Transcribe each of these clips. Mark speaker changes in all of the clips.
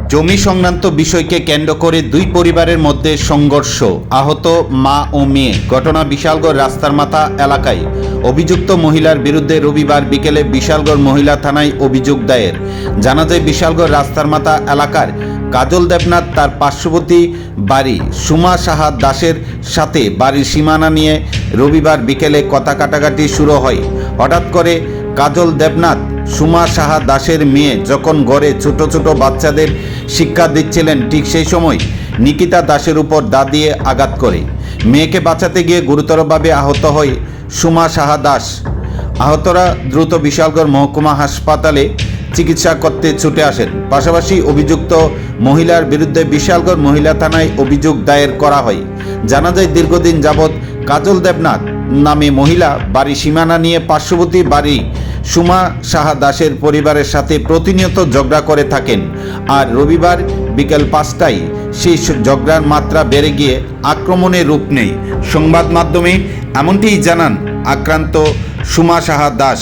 Speaker 1: জমি সংক্রান্ত বিষয়কে কেন্দ্র করে দুই পরিবারের মধ্যে সংঘর্ষ, আহত মা ও মেয়ে। ঘটনা বিশালগড় রাস্তার মাথা এলাকায়। অভিযুক্ত মহিলার বিরুদ্ধে রবিবার বিকেলে বিশালগড় মহিলা থানায় অভিযোগ দায়ের। জানা যায় বিশালগড় রাস্তার মাথা এলাকার কাজল দেবনাথ তার পার্শ্ববর্তী বাড়ি সুমা সাহা দাসের সাথে বাড়ির সীমানা নিয়ে রবিবার বিকেলে কথা কাটাকাটি শুরু হয়। হঠাৎ করে কাজল দেবনাথ সুমা সাহা দাসের মেয়ে যখন ঘরে ছোট ছোট বাচ্চাদের শিক্ষা দিচ্ছিলেন, ঠিক সেই সময় নিকিতা দাসের উপর দা দিয়ে আঘাত করে। মেয়েকে বাঁচাতে গিয়ে গুরুতরভাবে আহত হয় সুমা সাহা দাস। আহতরা দ্রুত বিশালগড় মহকুমা হাসপাতালে চিকিৎসা করতে ছুটে আসেন। পাশাপাশি অভিযুক্ত মহিলার বিরুদ্ধে বিশালগড় মহিলা থানায় অভিযোগ দায়ের করা হয়। জানা যায় দীর্ঘদিন যাবৎ কাজল দেবনাথ নামে মহিলা বাড়ি সীমানা নিয়ে পার্শ্ববর্তী বাড়ি সুমা সাহা দাসের পরিবারের সাথে প্রতিনিয়ত ঝগড়া করে থাকেন। আর রবিবার বিকেল 5টায় সেই ঝগড়ার মাত্রা বেড়ে গিয়ে আক্রমণের রূপ নেয়। সংবাদ মাধ্যমে এমনটিই জানান আক্রান্ত সুমা সাহা দাস।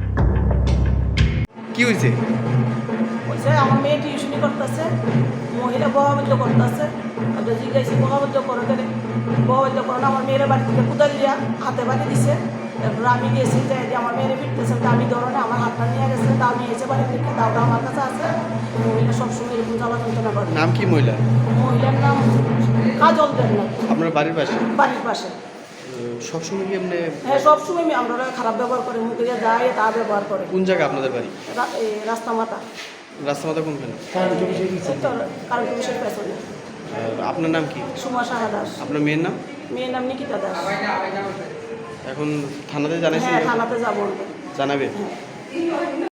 Speaker 2: কি হয়েছে?
Speaker 3: বলছে আমার মেয়ে টিউশনি করতেছে, মহিলা বহাবদ্ধ করতেছে। আমরা জিজ্ঞাসি বহাবদ্ধ করো কেন? বহাবদ্ধ করো না, আমার মেয়ের বাড়ি থেকে কোদাল দিয়া হাতে বাড়ি দিছে। তারপর আমি গেছি যে আমার মেয়ের ফিরতেছে, আমি ধরনে আমার হাতটা নিয়ে গেছে, তা আমি এসে বাড়ি থেকে দাওটা আমার কাছে আছে। মহিলা সবসময় এরকম জ্বালা যন্ত্রণা করে।
Speaker 2: নাম কি মহিলা?
Speaker 3: মহিলার নাম কাজল দেবনাথ।
Speaker 2: আপনার বাড়ির পাশে?
Speaker 3: বাড়ির পাশে।
Speaker 2: সবসময় কি এমনি?
Speaker 3: হ্যাঁ, সবসময় আমরা খারাপ ব্যবহার করে, মুখে যা যায় তা ব্যবহার করে।
Speaker 2: কোন জায়গা আপনাদের বাড়ি?
Speaker 3: রাস্তা মাথা।
Speaker 2: রাস্তা মাথা কোনখানে?
Speaker 3: কারণ পুলিশের পেছনে।
Speaker 2: আপনার নাম কি?
Speaker 3: সুমা সাহা দাস।
Speaker 2: আপনার মেয়ের নাম?
Speaker 3: মেয়ের নাম নিকিতা দাস।
Speaker 2: এখন থানাতে জানাইছেন?
Speaker 3: হ্যাঁ, থানাতে যাবো।
Speaker 2: জানাবে?
Speaker 3: হ্যাঁ।